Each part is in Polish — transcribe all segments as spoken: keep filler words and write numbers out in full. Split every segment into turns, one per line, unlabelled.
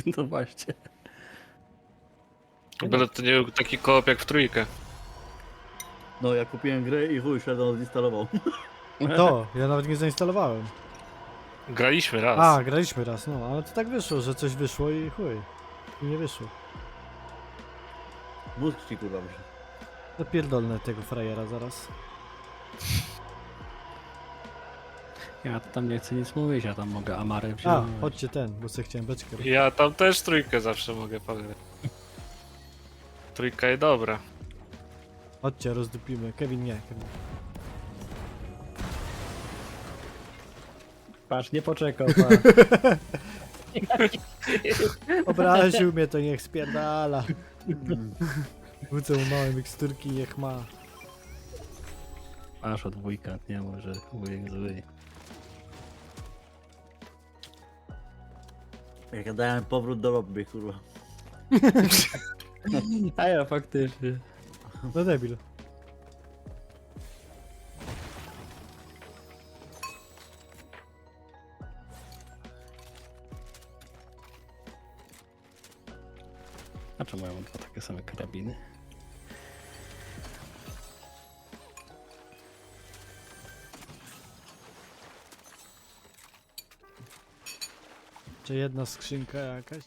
No właśnie.
Byle to nie był taki koop jak w trójkę.
No ja kupiłem grę i chuj, Shadow odinstalował.
To, ja nawet nie zainstalowałem.
Graliśmy raz.
A, graliśmy raz, no, ale to tak wyszło, że coś wyszło i chuj. I nie wyszło.
Mózg ci kurwa wyszedł.
Zapierdolnę tego frajera zaraz.
Ja tam nie chcę nic mówić, ja tam mogę Amarę
A,
wziąć.
chodźcie ten, bo sobie chciałem beczkę.
Ja tam też trójkę zawsze mogę pograć. Trójka jest dobra.
Chodźcie, rozdupimy. Kevin nie, Kevin.
Patrz, nie poczekał, patrz.
Obraził mnie, to niech spierdala. Wrócę mu małe miksturki, niech ma.
Masz od wujka, nie może wujek zły.
Jak ja dałem powrót do lobby, kurwa.
A ja faktycznie.
No debil.
A czemu ja mam dwa takie same karabiny?
Czy jedna skrzynka jakaś?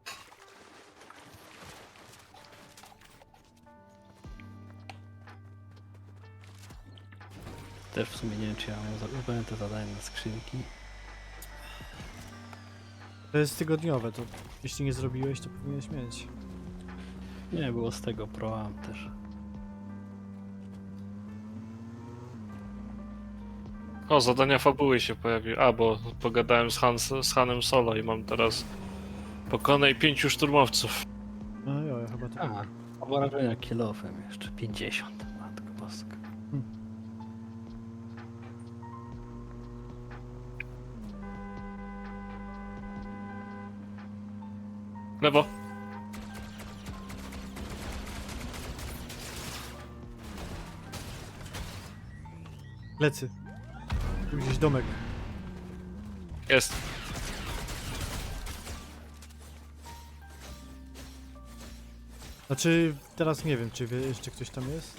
Też w sumie nie wiem, czy ja mam zrobiłem te zadania na skrzynki.
To jest tygodniowe, to jeśli nie zrobiłeś, to powinieneś mieć.
Nie, było z tego Pro Am też.
O, zadania fabuły się pojawiły. A, bo pogadałem z, Hans, z Hanem Solo i mam teraz pokonaj pięciu szturmowców.
No jo, ja chyba to...
A, obrażenia kilofem jeszcze pięćdziesiąt. Matko boska.
Lewo.
Plecy. Tu gdzieś domek.
Jest.
Znaczy, teraz nie wiem, czy wie, jeszcze ktoś tam jest?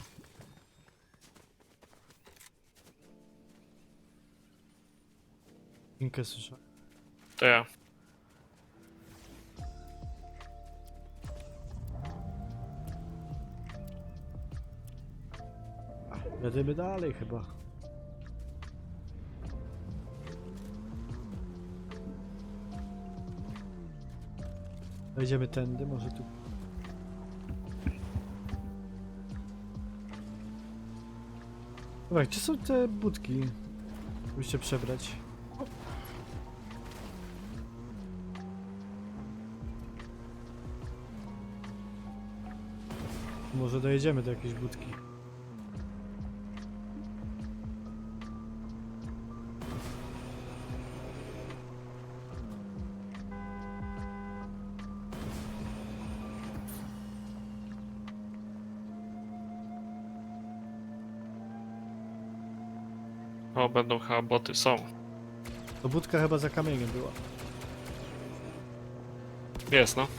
Inkę słyszę.
To ja.
Jedziemy dalej chyba. Wejdziemy tędy, może tu. Dobra, gdzie są te budki? Żeby się przebrać. Może dojedziemy do jakiejś budki.
O, będą chyba boty. Są.
To budka chyba za kamieniem była.
Jest, no.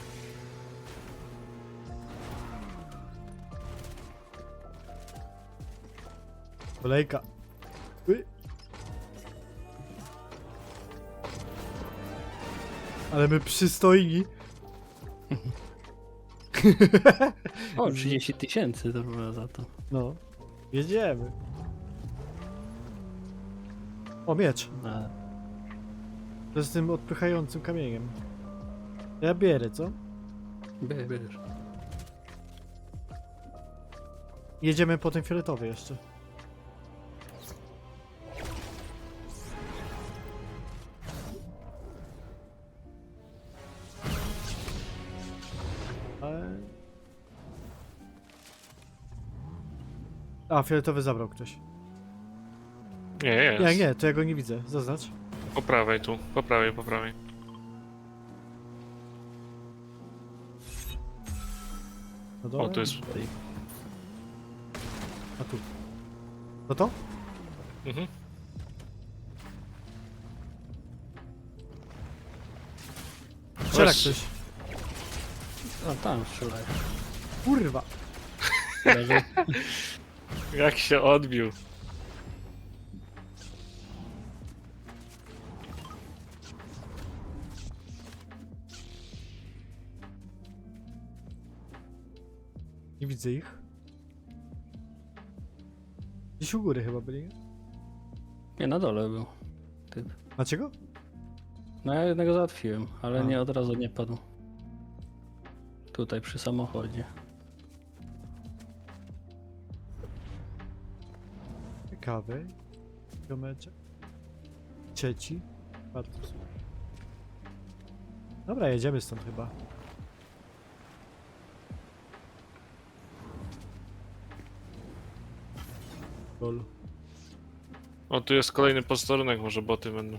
Kolejka. Uy. Ale my przystojni.
O, trzydzieści tysięcy to było za to.
No. Jedziemy. O, miecz.
A,
To z tym odpychającym kamieniem. Ja bierę, co?
bierz, bierz.
Jedziemy po ten fioletowy jeszcze. Ale... A, fioletowy zabrał ktoś.
Nie, jest.
Nie, nie, to ja go nie widzę. Zaznacz.
Po prawej tu. Po prawej, po prawej.
No dobra.
O, tu jest.
A tu. No to?
Mhm.
Strzela
Weź.
ktoś.
A tam strzelają.
Kurwa!
Leży.
Jak się odbił.
Nie widzę ich. Gdzieś u góry chyba byli, nie?
Nie, na dole był typ.
Macie go?
No ja jednego załatwiłem, ale
A.
nie od razu nie padł. Tutaj przy samochodzie.
Ciekawy. Kiomeczek. Trzeci. Bardzo super. Dobra, jedziemy stąd chyba. Lol.
O, tu jest kolejny posterunek, może boty będą.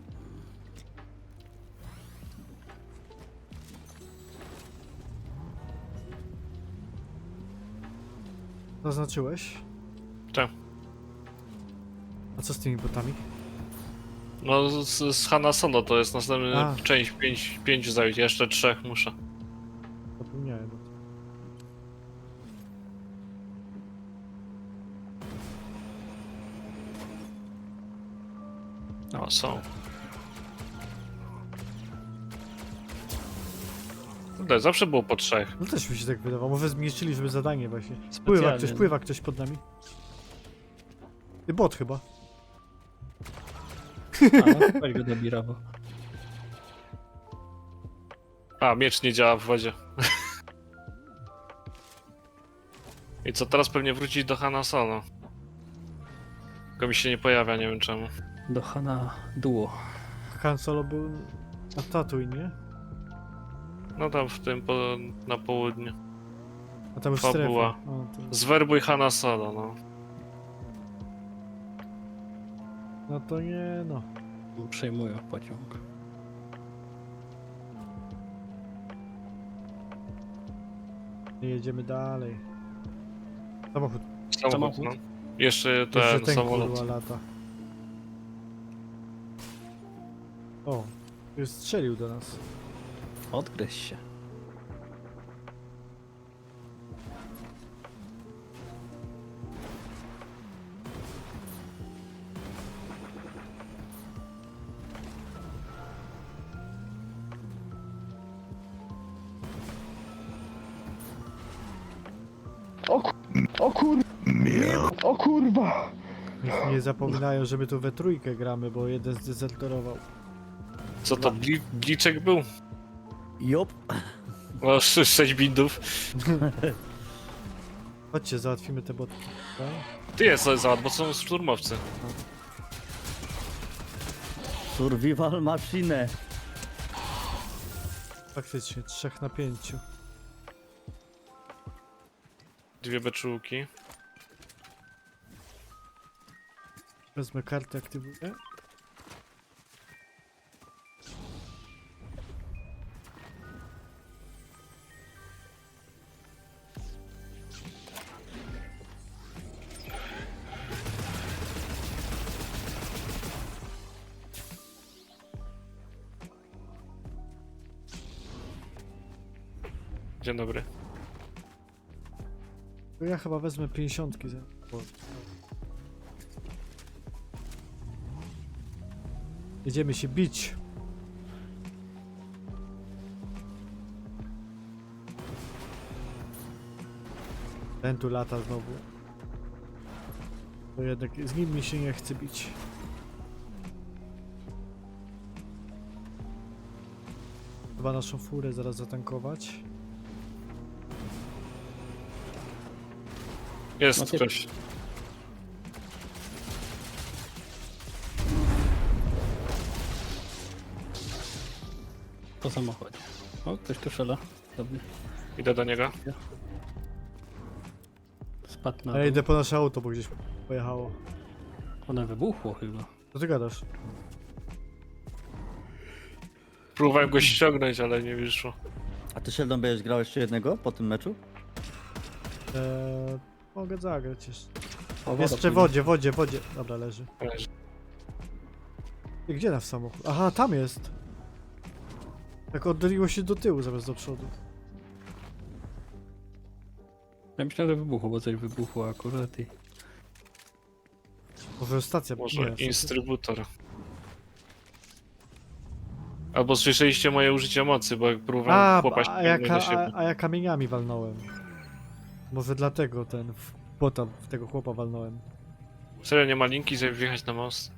Zaznaczyłeś?
Tak.
A co z tymi botami?
No, z, z Hanna Solo to jest następna
A.
część, pięć, pięć zająć, jeszcze trzech muszę.
Zapomniałem o tym.
O, są. Kurde, zawsze było po trzech.
No też mi się tak wydawało. Może zmniejszyli, żeby zadanie właśnie. Pływa
Specjalnie,
ktoś,
no.
pływa ktoś pod nami. Ty bot chyba.
A, no, weź go do Birawo.
A, miecz nie działa w wodzie. I co, teraz pewnie wrócić do Hanna Solo. Tylko mi się nie pojawia, nie wiem czemu.
Do Hana Duo.
Han Solo był na Tatooine, nie?
No tam w tym, po, na południu.
A tam już
Fabuła.
strefa. O, to...
Zwerbuj Hanna Solo, no.
No to nie, no.
Przejmują pociąg.
Nie jedziemy dalej. Samochód.
Samochód,
Samochód?
no. Jeszcze
Jeszcze
ten,
ten
samolot.
kurwa lata. O, już strzelił do nas.
Odgryź się.
Niech nie zapominają, że my tu we trójkę gramy, bo jeden zdezerterował.
Co to, bli, bliczek był?
Jop.
O, sz- sześć bindów.
Chodźcie, załatwimy te boty. Tak?
Ty jest załatw, bo są szturmowcy.
Survival machine.
Faktycznie, trzech na pięciu.
Dwie beczułki.
Wezmę kartę, aktywuję.
Dzień dobry.
To ja chyba wezmę pięćdziesiątki za... o. Jedziemy się bić. Ten tu lata znowu. To jednak z nim mi się nie chce bić. Chyba naszą furę zaraz zatankować.
Jest
Macie-
ktoś.
Po samochodzie. O, ktoś tu szela. Dobry.
Idę do niego.
Spadł na
A ja
dół.
idę po nasze auto, bo gdzieś pojechało.
One wybuchło chyba.
Co ty gadasz?
Próbowałem go ściągnąć, ale nie wyszło.
A ty, Sheldon, będziesz grał jeszcze jednego po tym meczu?
Eee, mogę zagrać jeszcze.
O, woda
Jeszcze w
płynie.
wodzie, wodzie, wodzie. Dobra, leży.
Leży.
I gdzie nasz samochód? Aha, tam jest. Tak oddaliło się do tyłu zamiast do przodu.
Ja myślałem, że wybuchło, bo coś wybuchło akurat i...
Może stacja...
Może
nie, stacja-
instrybutor. Albo słyszeliście moje użycie mocy, bo jak próbowałem
A,
chłopa
a, ja,
ściągnąć
ka,
do
a,
siebie.
a ja kamieniami walnąłem. Może dlatego ten... w bota, w tego chłopa walnąłem.
Serio, nie ma linki, żeby wjechać na most?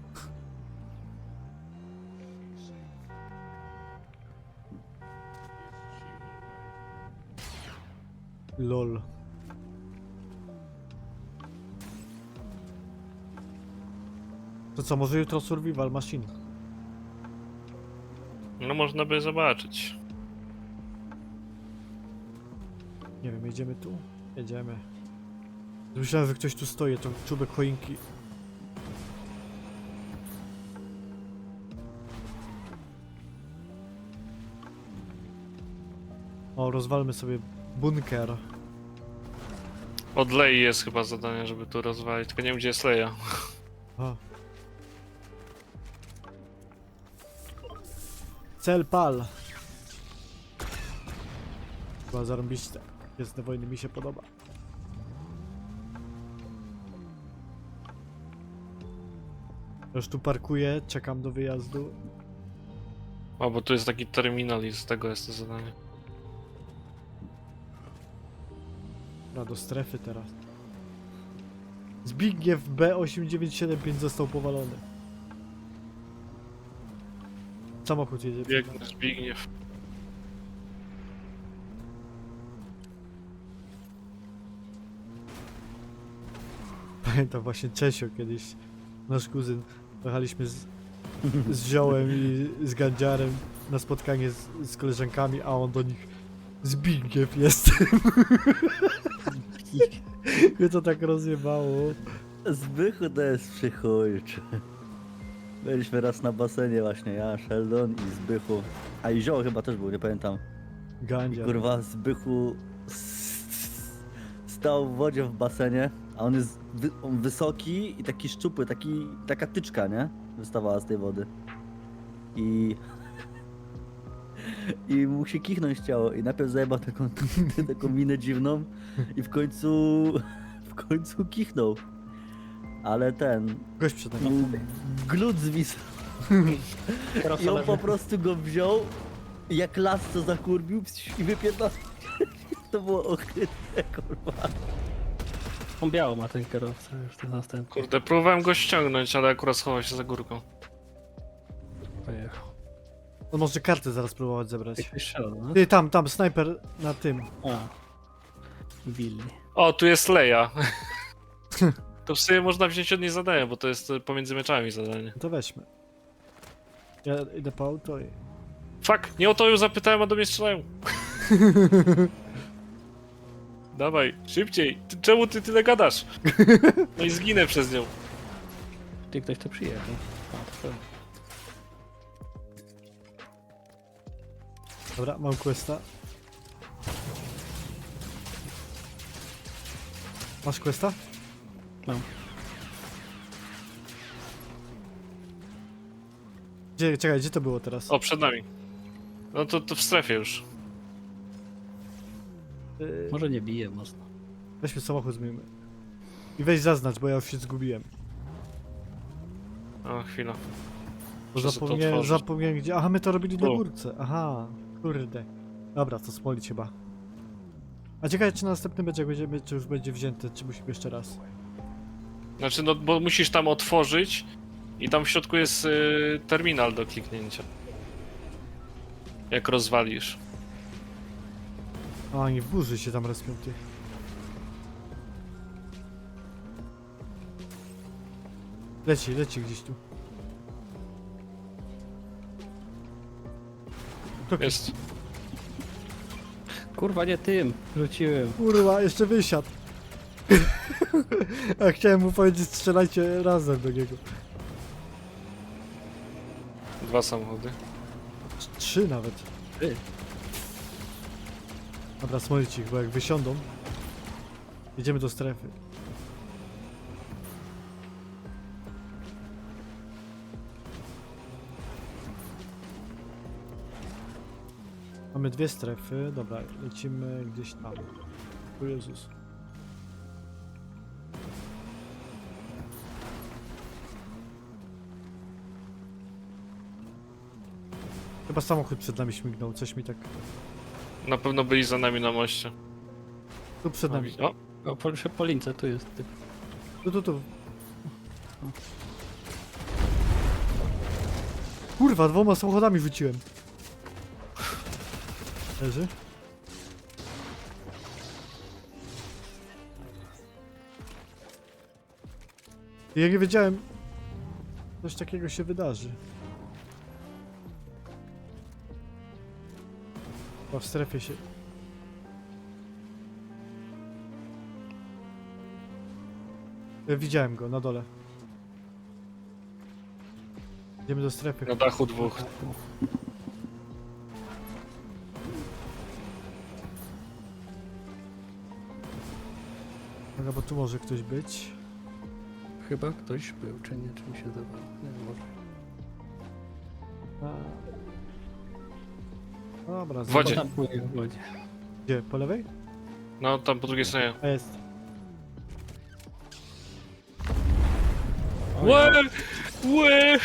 Lol. To co, może jutro survival machine?
No można by zobaczyć.
Nie wiem, jedziemy tu? Jedziemy. Myślałem, że ktoś tu stoi, to czubek choinki. O, rozwalmy sobie bunker.
Od Lei jest chyba zadanie, żeby tu rozwalić, tylko nie wiem gdzie jest Leia.
A. Cel pal. Chyba zarąbiście. Jest wojny, mi się podoba. Już tu parkuję, czekam do wyjazdu.
O, bo tu jest taki terminal i z tego jest to zadanie.
Dobra, do strefy teraz. Zbigniew B osiem dziewięć siedem pięć został powalony. Samochód jedzie. przed nami.
Biegnę, Zbigniew.
Pamiętam właśnie Czesio kiedyś, nasz kuzyn, jechaliśmy z, z Ziołem i z Gandziarem na spotkanie z, z koleżankami, a on do nich Zbigniew jestem. Mnie to tak rozjebało.
Zbychu to jest przychójczy. Byliśmy raz na basenie właśnie, ja, Sheldon i Zbychu. A i Zio chyba też był, nie pamiętam. I
Gandziar.
kurwa Zbychu s- stał w wodzie w basenie, a on jest wy on wysoki i taki szczupły, taki, taka tyczka, nie? Wystawała z tej wody. I... I mu się kichnąć chciało i najpierw zajebał taką, taką minę dziwną i w końcu... w końcu kichnął. Ale ten...
Gość przed nami.
mu glut zwisł i on po prostu go wziął jak las co zakurbił i wypierdał. To było ohydne, kurwa.
On biało ma ten kierowca, już ten następny.
Kurde, próbowałem go ściągnąć, ale akurat schował się za górką.
Pojechał.
On może kartę zaraz próbować zebrać.
Jak strzelał, no?
Ty, tam, tam, snajper na tym.
A. Billy.
O, tu jest Leia. To w sumie można wziąć od niej zadanie, bo to jest e, pomiędzy meczami zadanie.
No to weźmy. Ja idę po auto i...
Fuck, nie o to ją zapytałem, a do mnie strzelają. Dawaj, szybciej. Ty, czemu ty tyle gadasz? No i zginę przez nią.
Ty ktoś tu przyjechał. A, to pewnie.
Dobra, mam questa. Masz questa?
Mam.
Gdzie, czekaj, gdzie to było teraz?
O, przed nami. No to, to w strefie już.
Yy,
Może nie bije mocno.
weźmy samochód, zmienimy. I weź zaznacz, bo ja już się zgubiłem.
O, chwila.
Bo
Muszę sobie to
zapomniałem,
otworzyć.
zapomniałem gdzie... Aha, my to robili na
Tu.
górce. Aha, kurde. Dobra, to smolić chyba. A ciekawe, czy następny będzie, jak będziemy, czy już będzie wzięty, czy musimy jeszcze raz.
Znaczy, no bo musisz tam otworzyć i tam w środku jest y, terminal do kliknięcia. Jak rozwalisz.
A, oni w burzy się tam respią, ty. Leci, leci gdzieś tu. To
Jest.
Kurwa, nie tym! Rzuciłem.
kurwa, jeszcze wysiadł. A chciałem mu powiedzieć, strzelajcie razem do niego.
Dwa samochody.
Trz- Trzy nawet.
Ty.
Dobra, smolić ich, bo jak wysiądą... Jedziemy do strefy. Mamy dwie strefy, dobra, lecimy gdzieś tam. O Jezus. Chyba samochód przed nami śmignął, coś mi tak...
Na pewno byli za nami na moście.
Tu przed nami.
O,
O, po, przy Polince, tu jest typ.
Tu, tu, tu. Kurwa, dwoma samochodami rzuciłem. Leży. Ja nie wiedziałem, coś takiego się wydarzy. Chyba w strefie się... Ja widziałem go na dole. Idziemy do strefy.
na dachu dwóch.
Dobra, bo tu może ktoś być.
Chyba ktoś był, czy nie, czy mi się zdawało. Nie wiem, może.
A... Dobra,
W wodzie.
Tam płynie w wodzie.
Gdzie? Po lewej?
No, tam po drugiej stronie.
A jest.
Łe! Łe!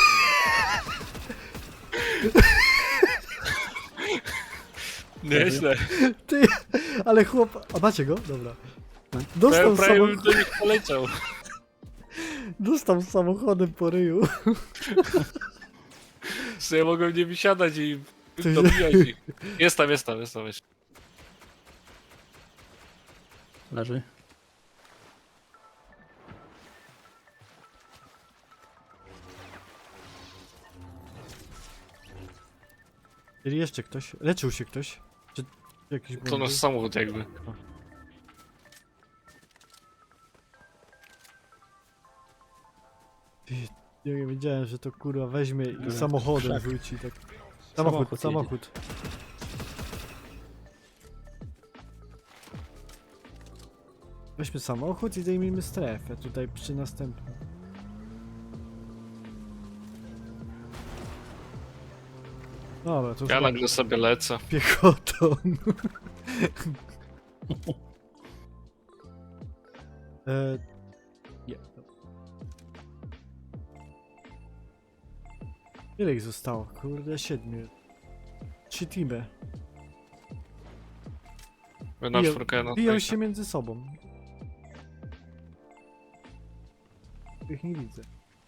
Nieźle.
Ty, ale chłop... A macie go? Dobra.
Prawie,
Dostał,
prawie bym
samochód...
do nich poleciał.
Dostał samochodem po ryju.
Co ja mogłem nie wysiadać i
Ty-
dobijać ich. Jest tam, jest tam, jest tam. Jest.
Leży.
Czyli jeszcze ktoś? Leczył się ktoś? Czy jakiś
To
błąd
nasz
był?
samochód jakby.
Ty, ja nie wiedziałem, że to kurwa weźmie i
Dobra,
samochodem
krzak.
wróci tak. Samochód,
Samochód
samochód. Weźmy samochód i zdejmijmy strefę tutaj przy następnym. Dobra, to
Ja
chyba
nagle sobie lecę.
piechotą. e, nie. Ile ich zostało? Kurde, siedmiu. Trzy teamy.
Na
Biją-
czwórkę na
Biją
tej-
się między sobą. Ich nie widzę.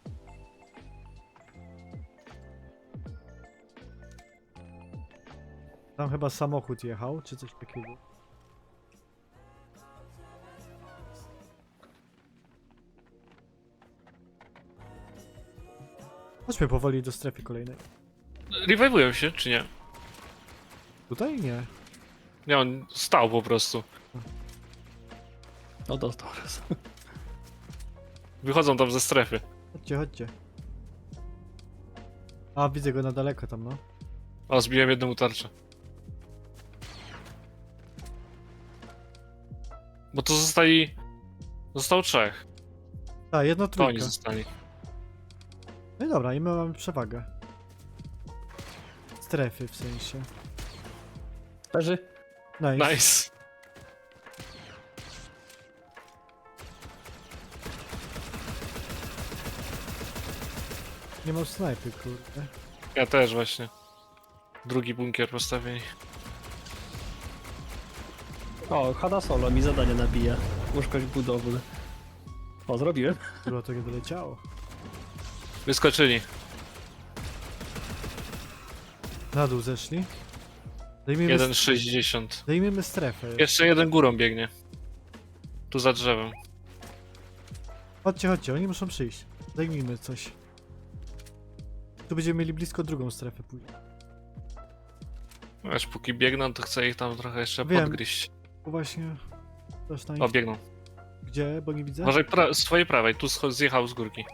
Tam chyba samochód jechał, czy coś takiego. Chodźmy powoli do strefy kolejnej.
Rewiveują się, czy nie?
Tutaj nie.
Nie, on stał po prostu.
O, dostał raz.
Wychodzą tam ze strefy.
Chodźcie, chodźcie. A, widzę go na daleko tam, no.
O, zbiłem jedną tarczę. Bo to zostali... Zostało trzech.
Tak, jedno
To oni
trójka.
zostali.
No i dobra, i my mamy przewagę. Strefy w sensie.
Leży.
Nice.
Nice.
Nie mam snajpy, kurde.
Ja też właśnie. Drugi bunkier postawieni.
O, Hada Solo mi zadanie nabija. Uszkość budowlę. O, zrobiłem.
Kurwa, to nie doleciało.
Wyskoczyli.
Na dół zeszli. Zajmijmy,
jeden
st-
sześćdziesiąt.
zajmijmy strefę.
Jeszcze jeden górą biegnie. Tu za drzewem.
Chodźcie, chodźcie, oni muszą przyjść. Zajmijmy coś. Tu będziemy mieli blisko drugą strefę później.
Aż póki biegną, to chcę ich tam trochę jeszcze
Wiem.
podgryźć.
Tu właśnie... Coś tam...
O, biegną.
Gdzie? Bo nie widzę.
Uważaj pra- z twojej prawej, tu scho- zjechał z górki.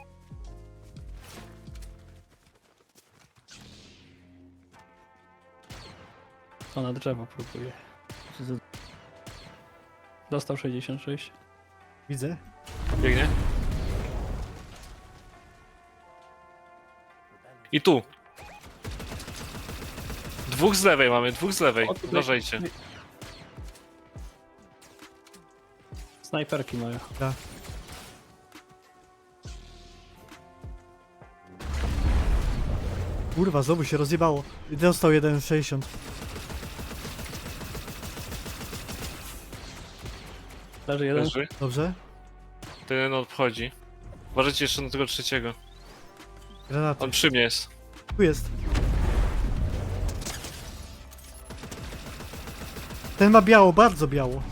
O, na drzewo próbuje. Dostał sześćdziesiąt sześć.
Widzę.
Biegnie. I tu. Dwóch z lewej mamy, dwóch z lewej.
O, tutaj.
Uważajcie.
Snajperki mają.
Tak. Kurwa, znowu się rozjebało. I dostał jeden sześćdziesiąt.
Leży jeden.
Leży.
Dobrze?
Ten jeden odchodzi. Uważajcie jeszcze na tego trzeciego.
Granaty.
On przy mnie jest.
Tu jest. Ten ma biało, bardzo biało.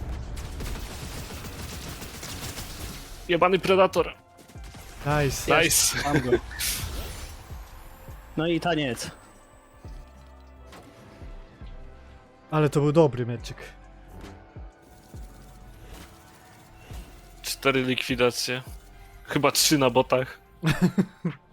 Jebany predator.
Nice.
Nice.
Mam go. No i taniec.
Ale to był dobry meczyk.
Cztery likwidacje. Chyba trzy na botach.